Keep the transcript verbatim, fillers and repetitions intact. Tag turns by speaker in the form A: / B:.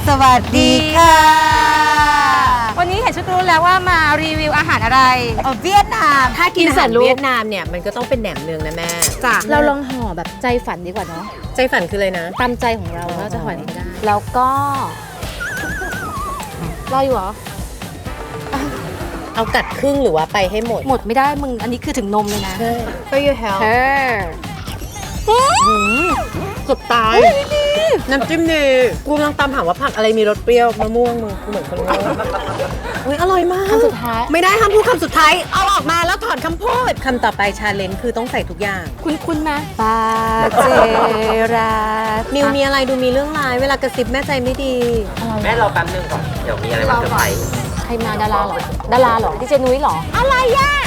A: สวัสดีค่ะ
B: วันนี้เห็นชุดรู้แล้วว่ามารีวิวอาหารอะไร
A: เออเวียดนาม
C: ถ้ากิน
B: กิน
C: อา
B: เสร็
C: หา
B: จ
C: ร
B: ลูก
C: เวียดนามเนี่ยมันก็ต้องเป็นแหนมเนืองนะแม่
B: จ้ะ
D: เราลองห่อแบบใจฝันดีกว่าเนาะ
C: ใจฝันคืออะไรนะ
D: ตามใจของเราเราจะห่ออะไรก็ได้
B: แล้วก็
D: รออยู่เหรอ
C: เอากัดครึ่งหรือว่าไปให้หมด
B: หมดไม่ได้มึงอันนี้คือถึงนมเลยนะ
C: For your health
B: เออ
C: เกือบตาย น้ำจิ้มดีกูกำลังตามหาว่าผักอะไรมีรสเปรี้ยวมะม่วงมึงกูเหมือนคนโง่อุ้ยอร่อยมาก
D: คำสุดท้าย
C: ไม่ได้ห้ามพูดคำสุดท้ายเอาออกมาแล้วถอนคำพูดคำต่อไปชาเลนจ์คือต้องใส่ทุกอย่าง
D: คุณคุณไหม
B: ปาเจรา
C: นิวมีอะไรดูมีเรื่องร้ายเวลากระซิบแม่ใจไม่ดี
E: แม่รอแป๊บนึงก่อน เดี๋ยวมีอะไรมาเซอร์ไพรส์
D: ใครมาดาราเหรอ ดาราเหรอดีเจนุ้ยเหรอ อะไรย่ะ